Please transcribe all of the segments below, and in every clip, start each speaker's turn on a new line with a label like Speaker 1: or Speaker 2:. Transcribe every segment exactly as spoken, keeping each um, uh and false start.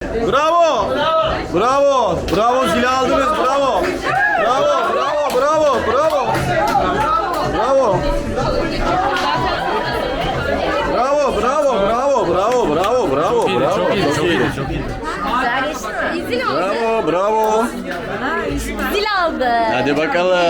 Speaker 1: Bravo. Bravo. Bravo zili aldınız. Bravo. Bravo. Bravo. Bravo. Bravo. Bravo. Bravo. Bravo. Bravo. Bravo. Bravo. Bravo.
Speaker 2: Çok iyiydi,
Speaker 1: Bravo.
Speaker 2: çok iyiydi, çok iyiydi, çok iyiydi.
Speaker 3: Güzel geçti mi? Zil oldu.
Speaker 1: Bravo. Bravo.
Speaker 3: Zil aldı.
Speaker 1: Hadi bakalım.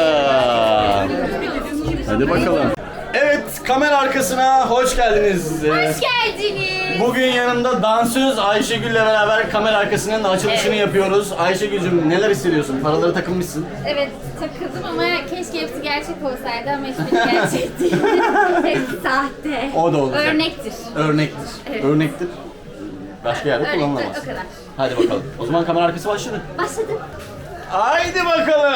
Speaker 1: Hadi bakalım. Evet, kamera arkasına hoş geldiniz.
Speaker 3: Hoş geldiniz.
Speaker 1: Bugün yanımda dansöz Ayşegül'le beraber kamera arkasının açılışını yapıyoruz. Ayşegül'cüm neler hissediyorsun? Paraları takılmışsın.
Speaker 3: Evet takıldım ama keşke hepsi gerçek olsaydı ama hiçbiri gerçek değil. Hepsi sahte.
Speaker 1: O da olacak.
Speaker 3: Örnektir.
Speaker 1: Örnektir.
Speaker 3: Evet.
Speaker 1: Örnektir. Başka yerde
Speaker 3: Örnektir
Speaker 1: kullanılamaz.
Speaker 3: o kadar.
Speaker 1: Hadi bakalım. O zaman kamera arkası başladı.
Speaker 3: Başladım.
Speaker 1: Haydi bakalım.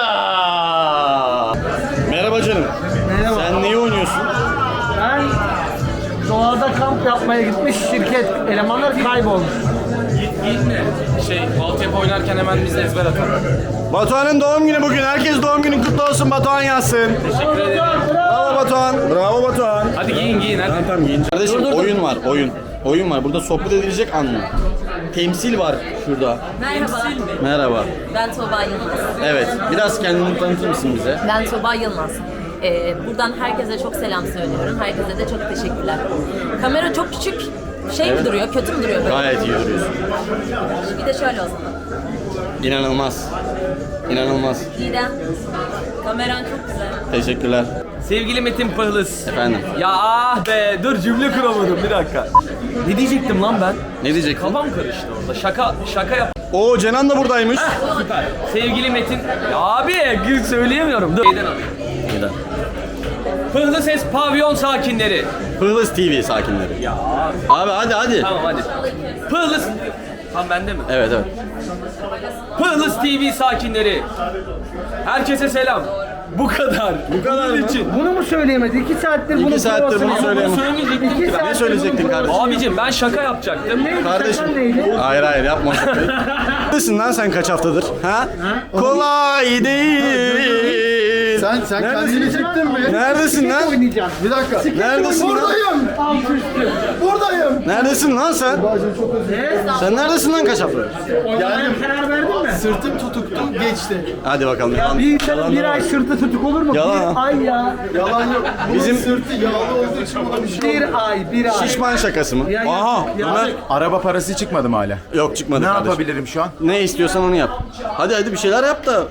Speaker 1: Merhaba canım.
Speaker 4: Merhaba.
Speaker 1: Sen neyi oynuyorsun?
Speaker 4: Ben doğada kamp yapmaya gitmiş şirket elemanlar kaybolmuş.
Speaker 2: Gitme. Şey, altyapı oynarken hemen biz ezber atalım.
Speaker 1: Batuhan'ın doğum günü bugün. Herkes doğum günün kutlu olsun. Batuhan yazsın.
Speaker 2: Teşekkür ederim.
Speaker 1: Bravo Batuhan. Bravo Batuhan.
Speaker 2: Hadi giyin giyin hadi.
Speaker 1: Tamam tamam giyin. Kardeşim oyun var oyun. Oyun var. Burada sohbet edilecek an mı? Temsil var şurada.
Speaker 5: Merhaba,
Speaker 1: Merhaba.
Speaker 5: ben Tuğba Yılmaz.
Speaker 1: Evet. Biraz kendini tanıtır mısın bize?
Speaker 5: Ben Tuğba Yılmaz. Ee, buradan herkese çok selam söylüyorum. Herkese de çok teşekkürler. Kamera çok küçük. Şey mi duruyor, kötü mü duruyor böyle?
Speaker 1: Gayet iyi duruyorsun.
Speaker 5: Bir de şöyle o zaman.
Speaker 1: İnanılmaz. İnanılmaz.
Speaker 5: Didem, kameran çok güzel.
Speaker 1: Teşekkürler.
Speaker 2: Sevgili Metin Pıhlıs.
Speaker 1: Efendim.
Speaker 2: Ya ah be, dur cümle kuramadım bir dakika. Ne diyecektim lan ben?
Speaker 1: Ne diyecektin?
Speaker 2: Kafam karıştı orada. Şaka şaka yap.
Speaker 1: Oo Cenan da buradaymış.
Speaker 2: Süper. Sevgili Metin. Ya abi gül söyleyemiyorum. Dur. Neyden alayım?
Speaker 1: Neden?
Speaker 2: Pıhlı Ses Pavyon sakinleri.
Speaker 1: Pıhlıs T V sakinleri.
Speaker 2: Ya
Speaker 1: Abi hadi hadi.
Speaker 2: tamam hadi. Pıhlıs. Tam bende mi?
Speaker 1: Evet evet.
Speaker 2: Pıhlıs T V sakinleri. Herkese selam. Bu kadar. Bu
Speaker 1: kadar
Speaker 2: Bunun
Speaker 1: mı?
Speaker 2: için.
Speaker 4: Bunu mu söyleyemedi? İki saattir bunu
Speaker 1: İki saattir
Speaker 4: provasını
Speaker 1: bunu
Speaker 4: yapıyor.
Speaker 1: söyleyemem.
Speaker 2: Söyleyecektim
Speaker 4: İki
Speaker 2: ki ben.
Speaker 4: saattir
Speaker 1: Ne söyleyecektin
Speaker 4: bunun
Speaker 1: kardeşim?
Speaker 4: provasını-
Speaker 2: Abicim ben şaka yapacaktım.
Speaker 4: Neydi?
Speaker 1: Kardeşim.
Speaker 4: Şakan neydi?
Speaker 1: Hayır hayır yapma şakayı. Neredesin lan sen kaç haftadır? Ha? Kolay değil.
Speaker 6: Sen sen
Speaker 1: Neredesin?
Speaker 6: kendini çektin mi?
Speaker 1: Neredesin lan?
Speaker 4: Oynayacağım.
Speaker 6: Bir dakika.
Speaker 1: Neredesin lan?
Speaker 6: Buradayım.
Speaker 4: Alt üstü.
Speaker 6: Buradayım.
Speaker 1: Neredesin lan sen?
Speaker 6: Bacım çok özür dilerim.
Speaker 1: Sen neredesin lan kaç haftadır?
Speaker 4: Oynamaya karar verdin mi?
Speaker 6: Sırtım tutuktu geçti.
Speaker 1: Hadi bakalım. Yalan,
Speaker 4: Bir insanın
Speaker 1: yalan
Speaker 4: bir
Speaker 1: da
Speaker 4: ay
Speaker 1: var.
Speaker 4: sırtı tutuk olur mu?
Speaker 1: Yalan.
Speaker 4: Bir ay ya.
Speaker 6: Yalan yok. Bunun
Speaker 1: Bizim-
Speaker 6: sırtı yağlı olduğu için buna bir şey olmuyor.
Speaker 4: Bir ay, bir ay.
Speaker 1: Şişman şakası mı?
Speaker 4: Ya, ya,
Speaker 1: Aha
Speaker 4: ya.
Speaker 1: Ömer.
Speaker 7: Araba parası çıkmadı mı hala?
Speaker 1: Yok çıkmadı
Speaker 7: Ne
Speaker 1: kardeşim.
Speaker 7: yapabilirim şu an?
Speaker 1: Ne istiyorsan onu yap. Hadi hadi bir şeyler yap da.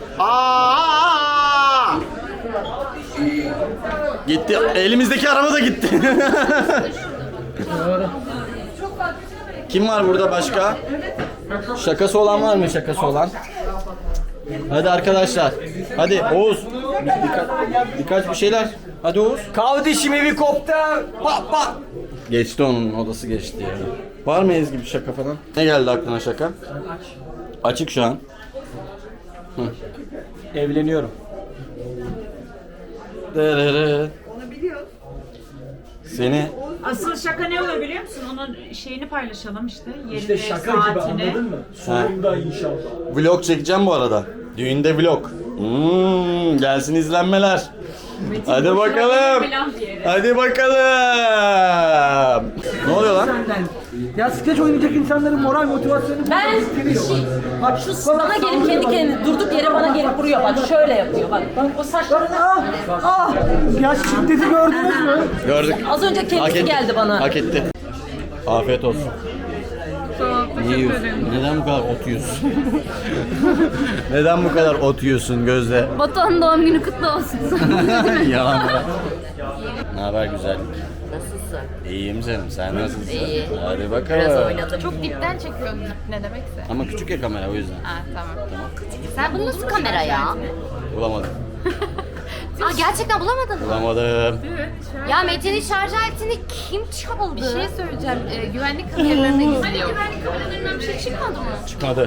Speaker 7: Aa!
Speaker 1: Gitti. Elimizdeki araba da gitti. Kim var burada başka? Şakası olan var mı şakası olan? Hadi arkadaşlar. Hadi Oğuz. Birka birkaç bir şeyler. Hadi Oğuz.
Speaker 2: Kardeşim evi koptu. Bak bak.
Speaker 1: Geçti onun odası geçti ya. Var mı Ezgi bir şaka falan? Ne geldi aklına şaka? Açık şu an.
Speaker 2: Evleniyorum.
Speaker 1: Derere. Seni
Speaker 8: Asıl şaka ne olur biliyor musun? Onun şeyini paylaşalım işte. Yerini,
Speaker 4: İşte şaka gibi
Speaker 8: saatini.
Speaker 4: anladın mı?
Speaker 1: Ha.
Speaker 4: Sonunda inşallah.
Speaker 1: vlog çekeceğim bu arada. Düğünde vlog. Hmm, gelsin izlenmeler. Hadi bakalım.
Speaker 8: Falan diye.
Speaker 1: Hadi bakalım. Ne oluyor lan?
Speaker 4: Senden. Ya skeç oynayacak insanların moral motivasyonu
Speaker 5: Ben
Speaker 4: bitiriyor.
Speaker 5: şey,
Speaker 4: Bak
Speaker 5: şu bana gelip kendi kendine durduk yere bana gelip vuruyor bak şöyle yapıyor bak. O saçlarını
Speaker 4: Ah, ah. Ya şiddeti gördünüz mü?
Speaker 1: Gördük.
Speaker 5: az önce
Speaker 1: Hak
Speaker 5: kendisi
Speaker 1: etti.
Speaker 5: geldi bana.
Speaker 1: Hak etti. Afiyet olsun. Niye yiyorsun? Neden bu kadar ot yiyorsun? Neden bu kadar ot yiyorsun Gözde?
Speaker 3: Batuhan'ın doğum günü kutlu olsun.
Speaker 1: Yalan bırak. Ne haber güzel?
Speaker 5: Nasılsın?
Speaker 1: İyiyim canım. Sen nasılsın?
Speaker 5: İyi.
Speaker 1: Hadi
Speaker 5: Biraz
Speaker 1: bakalım.
Speaker 5: oynadım.
Speaker 3: Çok dipten çekiyorum ne demekse.
Speaker 1: Ama küçük ya kamera o yüzden.
Speaker 3: Ha tamam. Sen bunu nasıl kamera ya?
Speaker 1: Bulamadım.
Speaker 3: Aa gerçekten bulamadın mı?
Speaker 1: Bulamadım.
Speaker 3: Ya Metin'in şarj aletini kim çaldı? Bir şey söyleyeceğim. Ee, güvenlik kameralarına gizliyor. Güvenlik kameralarından bir şey çıkmadı mı?
Speaker 1: Çıkmadı.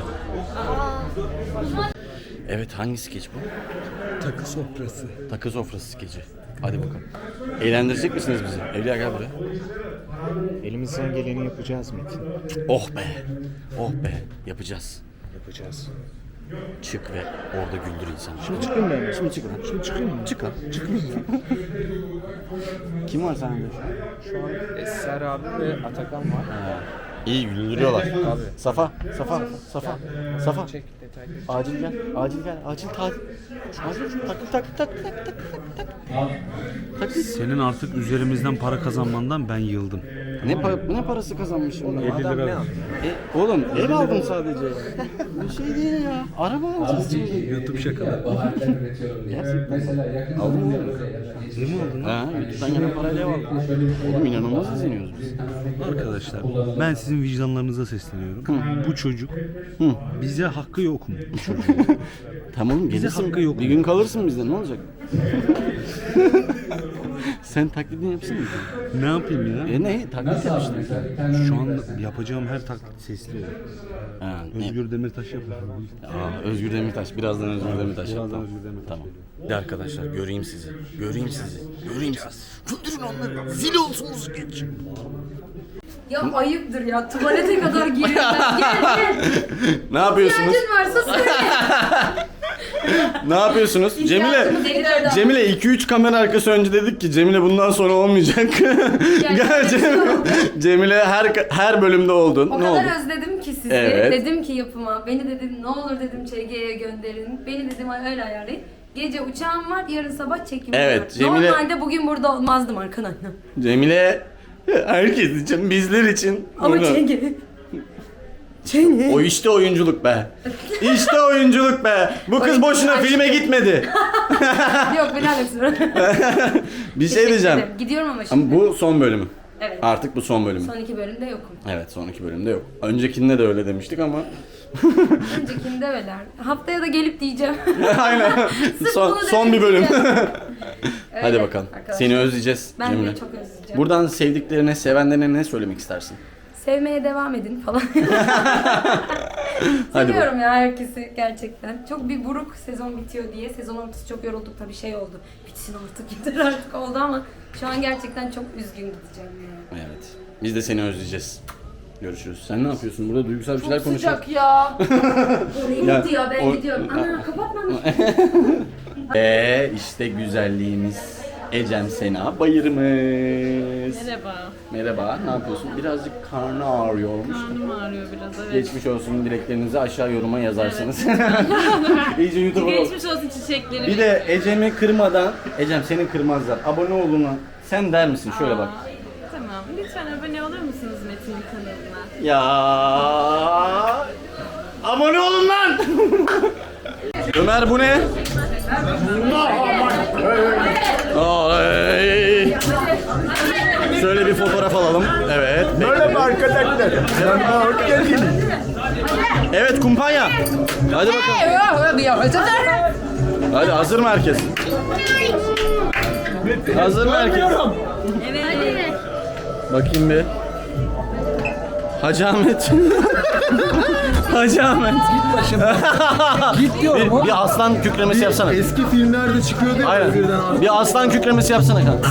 Speaker 1: Evet hangi skeç bu?
Speaker 7: Takı sofrası.
Speaker 1: Takı sofrası skeci. Hadi bakalım. Eğlendirecek misiniz bizi? Evliya gel buraya.
Speaker 7: Elimizden geleni yapacağız Metin.
Speaker 1: Oh be. Oh be. Yapacağız.
Speaker 7: Yapacağız.
Speaker 1: Çık ve orada güldür insanı.
Speaker 7: Şimdi çıkayım ben. Şimdi çıkayım. Şimdi çıkayım mı?
Speaker 1: Çık lan. Çıkmayayım. Kim var sende?
Speaker 2: Şu an Eser abi ve Atakan var.
Speaker 1: Ha. İyi güldürüyorlar. Safa, Safa, Safa, Safa. Acil gel, acil gel, acil takip. Acil takip, takip, takip, takip, takip, takip.
Speaker 9: Senin artık üzerimizden para kazanmandan ben yıldım.
Speaker 1: Ne para, ne parası kazanmışım ben?
Speaker 9: elli lira.
Speaker 1: E, oğlum ev aldım sadece. Bir şey değil ya. Araba alacağız.
Speaker 9: YouTube şakaları.
Speaker 1: Gerçekten. Aldın mı?
Speaker 9: Ne mi aldın?
Speaker 1: Ha, YouTube'dan gelen parayla ev aldım. Oğlum inanılmaz izleniyoruz biz.
Speaker 9: Arkadaşlar ben sizin vicdanlarınıza sesleniyorum. Bu çocuk bize hakkı yok mu? Bu çocuğun.
Speaker 1: Tamam oğlum
Speaker 9: Bize
Speaker 1: gelirsin.
Speaker 9: hakkı yok.
Speaker 1: Bir gün kalırsın bizde, ne olacak? Sen taklidini yapsana.
Speaker 9: Ne yapayım ya?
Speaker 1: E ne? Taklit yap işte.
Speaker 9: Şu an yapacağım her taklit sesli.
Speaker 1: Ha, ne?
Speaker 9: Özgür Demirtaş yapıyor.
Speaker 1: Aa, Özgür Demirtaş. Birazdan Özgür Demirtaş.
Speaker 9: Birazdan
Speaker 1: Tamam.
Speaker 9: Özgür Demirtaş.
Speaker 1: Tamam. Hadi arkadaşlar göreyim sizi. Göreyim sizi. Göreyim sizi. Güldürün onları. Zil olsun geç.
Speaker 3: Ya ayıptır ya. Tuvalete kadar giriyorlar. Gel gel.
Speaker 1: Ne yapıyorsunuz?
Speaker 3: İhtiyacın varsa söyle.
Speaker 1: Ne yapıyorsunuz? Cemile,
Speaker 3: İhtiyacımız elli lira.
Speaker 1: Cemile iki üç kamera arkası önce dedik ki Cemile bundan sonra olmayacak. Gel Cemile. Cemile her her bölümde oldun.
Speaker 3: O
Speaker 1: ne
Speaker 3: kadar
Speaker 1: oldu?
Speaker 3: özledim ki sizi.
Speaker 1: Evet.
Speaker 3: Dedim ki yapıma. Beni dedim ne olur dedim Ç G'ye gönderin. Beni dedim öyle ayarlayın. Gece uçağım var, yarın sabah çekim
Speaker 1: Evet,
Speaker 3: var.
Speaker 1: Cemile-
Speaker 3: Normalde bugün burada olmazdım arkadaşlar.
Speaker 1: Cemile herkes için, bizler için.
Speaker 3: Ama
Speaker 1: bunu-
Speaker 3: Ç G. Ç G.
Speaker 1: O işte oyunculuk be. İşte oyunculuk be. Bu kız boşuna filme gitmedi.
Speaker 3: Yok beni alakası.
Speaker 1: Bir şey diyeceğim.
Speaker 3: Gidiyorum ama şimdi.
Speaker 1: Ama bu son bölümü.
Speaker 3: Evet.
Speaker 1: Artık bu son bölümü.
Speaker 3: Son iki bölümde yokum.
Speaker 1: Evet, son iki bölümde yok. Öncekinde de öyle demiştik ama.
Speaker 3: Öncekinde öyle. Haftaya da gelip diyeceğim.
Speaker 1: Aynen. son
Speaker 3: bunu
Speaker 1: son bir bölüm.
Speaker 3: demeyeceğim.
Speaker 1: Hadi
Speaker 3: Öyle
Speaker 1: bakalım.
Speaker 3: arkadaşlar.
Speaker 1: Seni özleyeceğiz
Speaker 3: Ben
Speaker 1: Cemile.
Speaker 3: de çok özleyeceğim.
Speaker 1: Buradan sevdiklerine, sevenlerine ne söylemek istersin?
Speaker 3: Sevmeye devam edin falan.
Speaker 1: Hadi
Speaker 3: Seviyorum ya herkesi gerçekten. Çok bir buruk sezon bitiyor diye. Sezon ortası çok yorulduk tabii şey oldu. Bitsin artık yeter artık oldu ama şu an gerçekten çok üzgün gideceğim yani.
Speaker 1: Evet. Biz de seni özleyeceğiz. Görüşürüz. Sen ne yapıyorsun? Burada duygusal bir şeyler
Speaker 3: Çok
Speaker 1: konuşuyoruz.
Speaker 3: sıcak ya. Oraya
Speaker 1: Ya,
Speaker 3: gitti ya ben
Speaker 1: o-
Speaker 3: gidiyorum. Ana kapatma.
Speaker 1: Eee işte güzelliğimiz Ecem Sena Bayırımız.
Speaker 8: Merhaba.
Speaker 1: Merhaba. Ne yapıyorsun? Birazcık karnı ağrıyormuş.
Speaker 8: Karnım ağrıyor biraz, evet.
Speaker 1: Geçmiş olsun, dileklerinizi aşağı yoruma yazarsınız. İyice YouTube'a bak.
Speaker 8: Geçmiş olsun çiçeklerim.
Speaker 1: Bir de Ecem'i kırmadan, Ecem seni kırmazlar. Abone oluna sen der misin? Şöyle bak.
Speaker 8: Tamam. Lütfen abone olur musunuz Metin'in kanalına?
Speaker 1: Ya abone olun lan. Ömer bu ne? Ay. Şöyle bir fotoğraf alalım. Evet.
Speaker 6: Merhaba arkadaşlar. Yanıma hoş geldiniz.
Speaker 1: Evet kumpanya. Hadi bakalım. Hadi hazır mı herkes? Hazır mı herkes?
Speaker 3: Evet.
Speaker 1: Bakayım bir. Hacı Ahmet. Hacı Ahmet. Git başımdan.
Speaker 6: Git diyorum
Speaker 1: Bir,
Speaker 6: oğlum.
Speaker 1: bir aslan kükremesi yapsana.
Speaker 6: Eski filmlerde çıkıyordu ya.
Speaker 1: Aynen.
Speaker 6: birden ağzı-
Speaker 1: Bir aslan kükremesi yapsana kanka.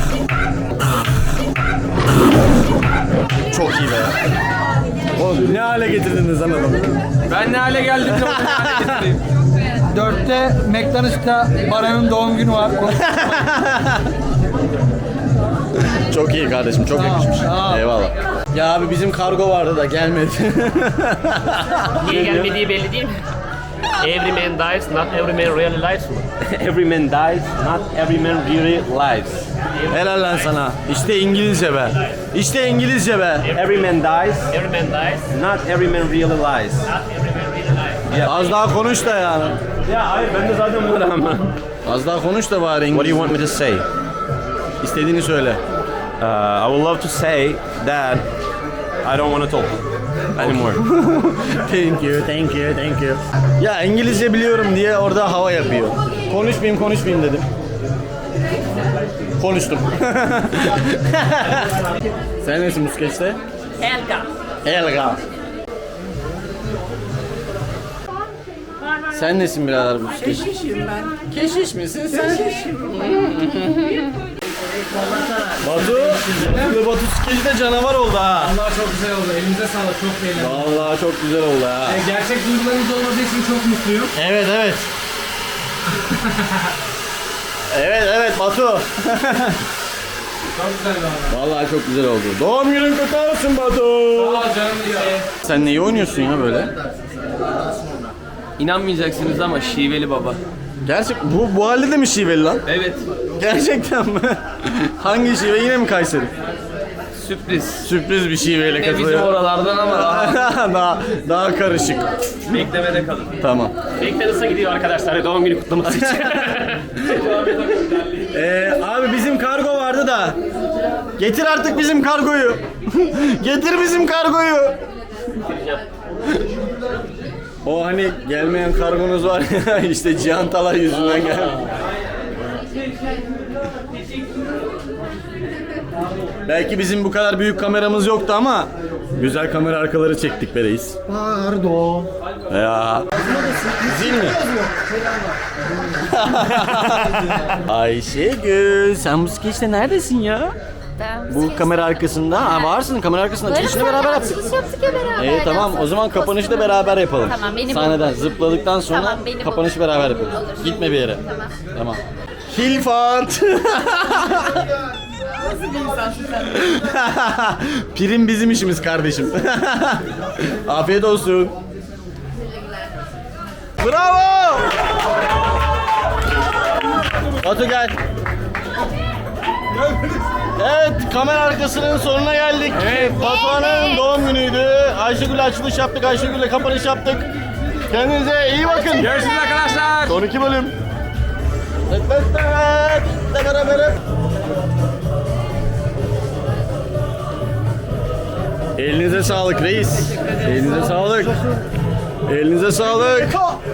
Speaker 1: Çok iyi be. Oğlum ne hale getirdiniz lan adamı?
Speaker 2: Ben ne hale geldim de onu ne hale getireyim.
Speaker 4: Dörtte McDonald's'ta Baran'ın doğum günü var.
Speaker 1: Çok iyi kardeşim, çok yakışmış. Eyvallah. Ya abi bizim kargo vardı da gelmedi.
Speaker 10: Niye gelmediği belli değil mi? Every man dies, not every man really lives mı?
Speaker 2: Every man dies, not every man really lives.
Speaker 1: Helal lan sana. İşte İngilizce be. İşte İngilizce be.
Speaker 2: Every man dies,
Speaker 10: Every man dies,
Speaker 2: not every man really lies.
Speaker 10: not every man really lives.
Speaker 1: Az daha konuş da yani.
Speaker 2: Ya hayır ben de zaten bunları ama.
Speaker 1: Az daha konuş da bari
Speaker 2: What do
Speaker 1: İngilizce.
Speaker 2: you want me to say?
Speaker 1: İstediğini söyle.
Speaker 2: Uh, I would love to say that I don't want to talk anymore.
Speaker 1: Thank you, thank you, thank you. Ya İngilizce biliyorum diye orada hava yapıyor. Konuşmayayım, konuşmayayım dedim. Konuştum. Sen nesin bu skeçte?
Speaker 5: Helga.
Speaker 1: Helga. Sen nesin birader bu skeç? Keşişim ben. Keşiş misin sen? Batu, bu Batu skeci de canavar oldu ha.
Speaker 4: Allah çok güzel oldu. Elinize sağlık. Çok beğendim.
Speaker 1: Vallahi çok güzel oldu ha.
Speaker 4: Gerçek duygularınız olmadığı için çok mutluyum.
Speaker 1: Evet evet. evet evet Batu. Vallahi çok güzel oldu. Doğum günün kutlu olsun Batu. Sen neyi oynuyorsun ya böyle?
Speaker 2: İnanmayacaksınız ama şiveli baba.
Speaker 1: Gerçek bu bu halde de mi şiveli lan?
Speaker 2: Evet.
Speaker 1: Gerçekten mi? Hangi şive? Yine mi Kayseri?
Speaker 2: Sürpriz.
Speaker 1: Sürpriz bir şiveyle
Speaker 2: Ne bizim
Speaker 1: katılıyor.
Speaker 2: oralardan ama daha
Speaker 1: daha daha karışık.
Speaker 2: beklemede kalın.
Speaker 1: Tamam.
Speaker 10: McDonald's'a gidiyor arkadaşlar doğum günü kutlaması için.
Speaker 1: Ee, abi bizim kargo vardı da. Getir artık bizim kargoyu. Getir bizim kargoyu. O hani gelmeyen kargonuz var ya işte Cihan Talay yüzünden geldi. Belki bizim bu kadar büyük kameramız yoktu ama güzel kamera arkaları çektik be reis.
Speaker 4: Pardon.
Speaker 1: Ya. Zil mi? Ayşegül, sen bu skeçte neredesin ya? Bu kamera arkasında. Ha varsın kamera arkasında. Açılışını beraber yaptık.
Speaker 5: Açılış yaptık ya beraber.
Speaker 1: İyi tamam o zaman kapanışı da beraber yapalım.
Speaker 5: Tamam, beni
Speaker 1: Sahneden zıpladıktan sonra
Speaker 5: Tamam, beni
Speaker 1: kapanışı
Speaker 5: bul.
Speaker 1: beraber yapalım.
Speaker 5: Olur.
Speaker 1: Gitme bir yere.
Speaker 5: Tamam.
Speaker 1: Tamam. Hilfant. Prim bizim işimiz kardeşim. Afiyet olsun. Bravo. Batu gel. Evet, kamera arkasının sonuna geldik. Evet. Batuhan'ın doğum günüydü. Ayşegül'le açılış yaptık, Ayşegül'le kapanış yaptık. Kendinize iyi bakın.
Speaker 2: Görüşürüz arkadaşlar.
Speaker 1: Son iki bölüm. Evet, evet, evet. Hep beraber. Elinize sağlık reis. Elinize sağlık. Elinize sağlık.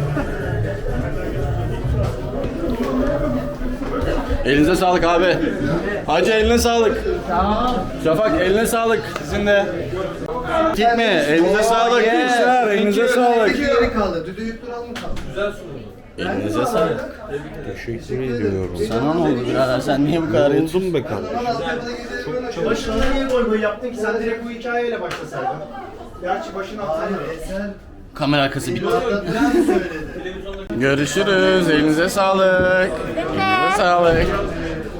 Speaker 1: Elinize sağlık abi. Hacı eline sağlık. Şafak eline sağlık. Sizin de. Gitme. Elinize sağlık. Gençler elinize sağlık.
Speaker 6: Yeri kaldı. Düdüğü yutturan mı kaldı?
Speaker 1: Elinize sağlık.
Speaker 7: Teşekkür ediyorum.
Speaker 1: Sana ne oldu birader? Sen niye bu kadar yutun?
Speaker 7: Oldum be kardeşim.
Speaker 6: Başına niye gol gol yaptın ki? Sen direkt bu hikayeyle başlasaydın. Gerçi başına attın. Sen
Speaker 1: Kamera arkası bitti. Görüşürüz. Elinize sağlık. Elinize sağlık.